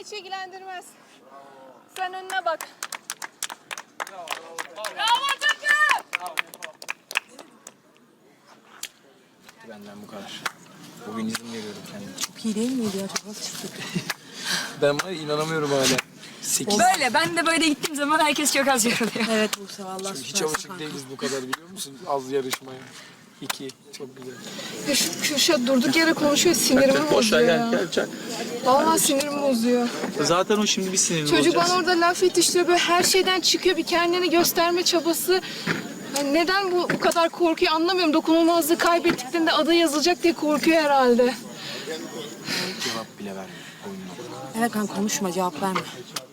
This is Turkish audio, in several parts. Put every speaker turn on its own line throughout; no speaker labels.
hiç ilgilendirmez. Sen önüne bak. Bravo takım!
Benden bu kadar. Bugün izin veriyorum kendime.
Çok iyi değil miydi ya? Çok az çıktı.
Ben var ya, inanamıyorum hala. 8.
Böyle. Ben de böyle gittiğim zaman herkes çok az yoruluyor. Evet Buse valla
Hiç
süpersin
alışık
kanka.
değiliz bu kadar, biliyor musun? Az yarışmaya. 2. Çok güzel.
Ya şu Kürşat durduk yere konuşuyor, sinirimi bozuyor ya.
Çak.
Vallahi sinirimi bozuyor.
Zaten o şimdi bir sinirli
Çocuk
olacak.
bana orada laf yetiştiriyor, böyle her şeyden çıkıyor, bir kendini gösterme çabası. Yani neden bu kadar korkuyor anlamıyorum. Dokunulmazlığı kaybettiklerinde adı yazılacak diye korkuyor herhalde.
Cevap bile vermiyor oyununa.
Evet kanka konuşma cevap verme.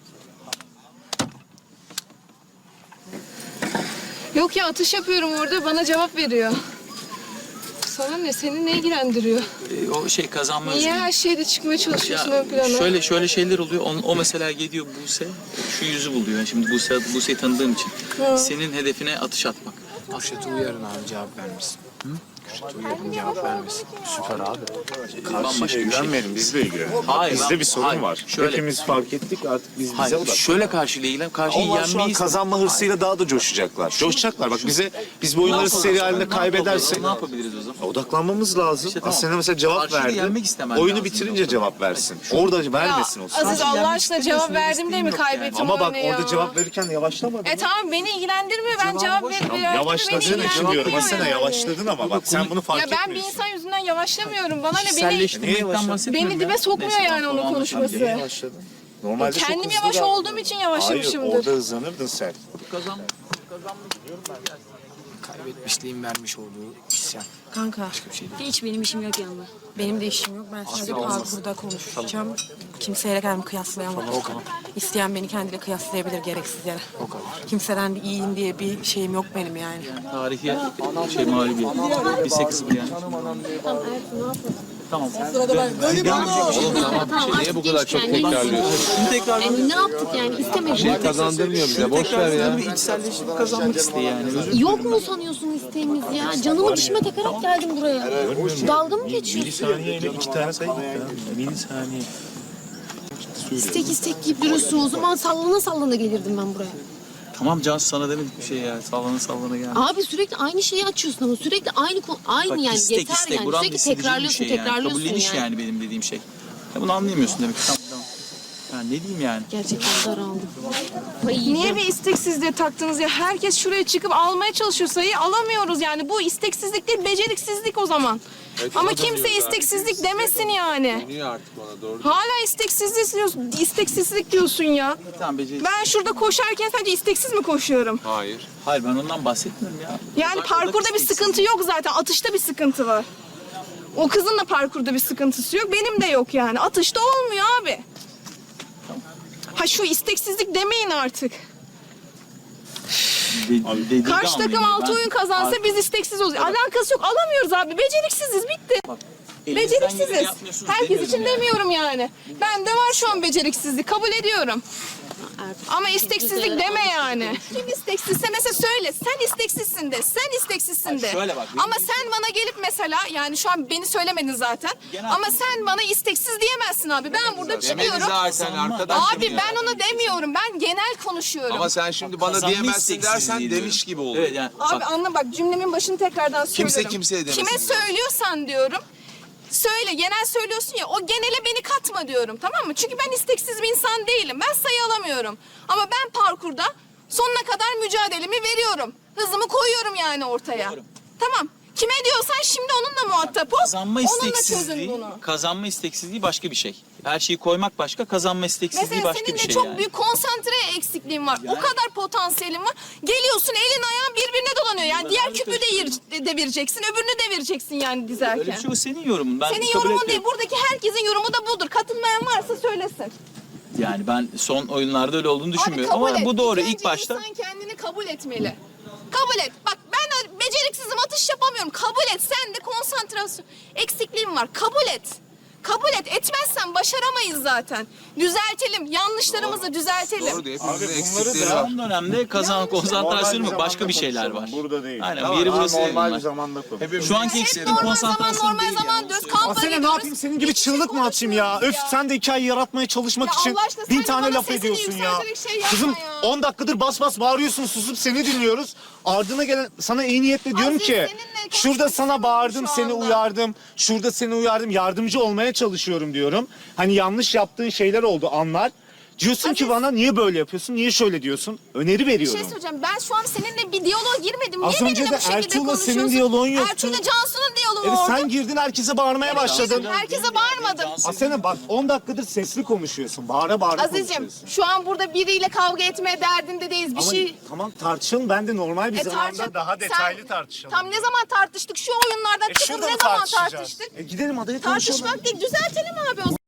Yok ya, atış yapıyorum orada, bana cevap veriyor. Sana ne? Seni ne ilgilendiriyor?
O şey kazanma
Niye
özgürlüğü.
her şeyde çıkmaya çalışıyorsun ön plana?
Şöyle şeyler oluyor. O mesela geliyor Buse, şu yüzü buluyor. Yani şimdi Buse'yi tanıdığım için. Senin hedefine atış atmak.
Kürşat'ı uyarın abi, cevap vermesin. Kürşat'ı uyarın, cevap vermesin.
Süper abi.
Bambaşka bir şey.
İlgilenmeyelim, bizle ilgilenelim.
Hayır,
Bizde bir sorun
hayır.
var.
Şöyle.
Hepimiz fark ettik, artık biz bize
Hayır,
odaklanalım.
şöyle karşıyla ilgilen. Karşıyı
Onlar şu an
yenmeyiz.
kazanma hırsıyla daha da coşacaklar. Coşacaklar. Bak biz bu oyunları seri halinde kaybedersek
Ne yapabiliriz o zaman?
odaklanmamız lazım.
tamam.
Aslında mesela cevap
Karşıyı
verdi.
yenmek istemen
Oyunu
lazım.
bitirince cevap versin. Orada vermesin o sırada.
Aziz Allah aşkına cevap verdim diye mi kaybettim
Ama bak
oyunu ya?
orada cevap verirken yavaşlamadı.
Tamam, beni ilgilendirmiyor. Ben cevap verdim.
Yavaşladığın için diyorum. Aslında yavaşladın ama bak sen bunu fark
Ya
etmiyorsun.
ben bir insan yüzünden yavaşlamıyorum. Bana ne, beni
Kişiselleştirmekten bahsetmiyorum
beni
ya.
dibe sokmuyor
Neyse,
yani onun
tamam,
konuşması.
Niye yavaşladın? Normalde çok
Kendim
hızlı
yavaş
davranıyordun.
olduğum için
Hayır,
yavaşlamışımdır.
orada hızlanırdın sen.
Kaybetmişliğin vermiş olduğu isyan.
Kanka
Başka bir şey değil.
hiç benim işim yok yanında. Benim de işim yok. Ben sadece parkurda konuşacağım. Kimseyle kendimi kıyaslayamam. İsteyen beni kendiyle kıyaslayabilir gereksiz yere.
O kadar.
Kimseden de iyiyim diye bir şeyim yok benim yani.
Tarihi mağlubiyet. Bir 8 yani. Tamam.
Niye bu kadar çok tekrarlıyorsun?
Şimdi tekrar
Ne yaptık yani istemedik.
Şey kazandırmıyor bize. Boş ver ya.
bir içselleştirip kazanmak isteği yani. Özür
Yok mu sanıyorsun isteğimiz ya? Canımı dişime takarak geldim buraya. Dalga mı geçiyorsun?
Saniyeyle 2 tane sayı gitti ya. Milisaniye.
İstek istek deyip duruyorsun. O zaman sallana sallana gelirdim ben buraya.
Tamam Can, sana demedik bir şey ya. Sallana gel.
Abi sürekli aynı şeyi açıyorsun ama sürekli aynı
Bak,
yani
istek,
yeter
istek.
yani.
Buramda
Sürekli
hissedeceğim bir
tekrarlıyorsun
Kabulleniş
yani.
yani benim dediğim şey. Ya bunu anlayamıyorsun demek ki. Tamam. Ya ne diyeyim yani?
Gerçekten daraldım.
Niye bir isteksizliğe taktınız ya? Herkes şuraya çıkıp almaya çalışıyor, sayıyı alamıyoruz yani. Bu isteksizlik değil, beceriksizlik o zaman. Ama kimse isteksizlik demesin yani.
Niye artık bana doğru?
Hala isteksizlik diyorsun ya.
Tamam beceri.
Ben şurada koşarken sadece isteksiz mi koşuyorum?
Hayır.
Hayır, ben ondan bahsetmiyorum ya.
Yani
Zaten
parkurda bir
isteksiz.
sıkıntı yok zaten. Atışta bir sıkıntı var. O kızın da parkurda bir sıkıntısı yok. Benim de yok yani. Atışta olmuyor abi. Ha şu isteksizlik demeyin artık.
Dedirdi
Karşı takım
anlayayım.
6 oyun kazansa biz isteksiz olacağız. Alakası yok. Alamıyoruz abi. Beceriksiziz. Bitti.
Elinizden geleni
Beceriksiziz.
yapmıyorsunuz
Herkes
demiyorum
için
yani.
demiyorum yani. Bende var şu an beceriksizlik. Kabul ediyorum. Ama isteksizlik deme yani. Kim isteksizse mesela söyle. Sen isteksizsin de. Sen isteksizsin de.
şöyle bak,
Ama sen bana gelip mesela yani şu an beni söylemedin zaten. Ama sen bana isteksiz diyemezsin abi. Ben burada
Demedi
çıkıyorum.
zaten arkadaşım
Abi
ya.
ben onu demiyorum. Ben genel konuşuyorum.
Ama sen şimdi bana
Kazanma
diyemezsin dersen
isteksizliği
demiş
diyorum.
gibi oldu.
Evet yani.
Abi
bak,
anla bak, cümlemin başını tekrardan söylüyorum.
Kimse kimseye demesin
Kime
diyorum.
söylüyorsan diyorum. Söyle, genel söylüyorsun ya, o genele beni katma diyorum, tamam mı? Çünkü ben isteksiz bir insan değilim. Ben sayı alamıyorum. Ama ben parkurda sonuna kadar mücadelemi veriyorum. Hızımı koyuyorum yani ortaya.
Doğru.
Tamam. Kime diyorsan şimdi onunla muhatap ol.
kazanma
Onunla çözün
isteksizliği,
bunu.
kazanma isteksizliği başka bir şey. Her şeyi koymak başka, kazanma isteksizliği
Mesela
başka
senin
bir
de
şey
çok
yani.
büyük konsantre eksikliğin var.
Yani-
O kadar potansiyelin var. Geliyorsun, elin ayağın birbirine dolanıyor. Yani diğer küpü devireceksin, öbürünü devireceksin yani dizerken.
Öyle bir şey, o senin yorumun. Ben
Senin
kabul
yorumun
etmiyorum.
değil. Buradaki herkesin yorumu da budur. Katılmayan varsa söylesin.
Yani ben son oyunlarda öyle olduğunu düşünmüyorum.
Abi kabul
Ama
et.
bu doğru.
İlk
İlk
önce
başta
insan kendini kabul etmeli. Kabul et. Bak ben beceriksizim, atış yapamıyorum. Kabul et. Sen de konsantrasyon eksikliğin var. Kabul et. Kabul et. Etmezsen başaramayız zaten. Düzeltelim. Yanlışlarımızı düzeltelim.
Doğru diyor. Hepimizin
bunları
eksikleri
da-
var.
Son dönemde konsantrasyon mu başka bir şeyler var.
Burada değil.
Aynen bir yeri burası
Normal bir
bunlar.
zamanda konuş.
Şu anki
Hep
eksikliğin
normal
konsantrasyon
zaman
değil
normal zaman
yani.
diyoruz. Kampa
Asena ne
gidiyoruz.
yapayım senin gibi
Hiçbir şey
çığlık mı atayım ya? Öf
konuşmuyoruz
sen de hikaye yaratmaya çalışmak
Ya
için
Allah aşkına sen
bin
de
tane
bana
laf
sesini
ediyorsun ya.
yükselterek şey yapma
Kızım
ya.
10 dakikadır bas bas bağırıyorsun susup seni dinliyoruz. Ardına gelen sana iyi niyetle diyorum
Aziz,
ki
seninle
şurada
konuşmak
sana bağırdım
istemiyorum
seni
şu anda.
uyardım. Şurada seni uyardım yardımcı olmaya çalışıyorum diyorum. Hani yanlış yaptığın şeyler oldu anlar. Diyorsun ki
Aziz-
bana niye böyle yapıyorsun? Niye şöyle diyorsun? Öneri
Bir
veriyorum.
şey söyleyeceğim. Ben şu an seninle bir diyaloğa girmedim.
Az
Niye
önce
benimle
de
bu şekilde
Ertuğrul'la senin
konuşuyorsun?
diyaloğun yoktu.
Ertuğrul'la Cansu'nun diyaloğu
Evet
oldu.
sen girdin herkese bağırmaya başladın.
Herkese bağırmadım.
Asena bak 10 dakikadır sesli konuşuyorsun. Bağıra bağıra
Aziz'cim
konuşuyorsun.
şu an burada biriyle kavga etmeye derdinde değiliz. Bir
Ama
şey...
tamam tartışalım. Ben de normal bir zamanda
tartış-
daha detaylı
Sen-
tartışalım.
Tam ne zaman tartıştık? Şu oyunlardan çıkıp
Şurada
ne
mı
zaman
tartışacağız?
tartıştık?
Gidelim adaya konuşalım.
Tartışmak değil, düzeltelim abi o zaman.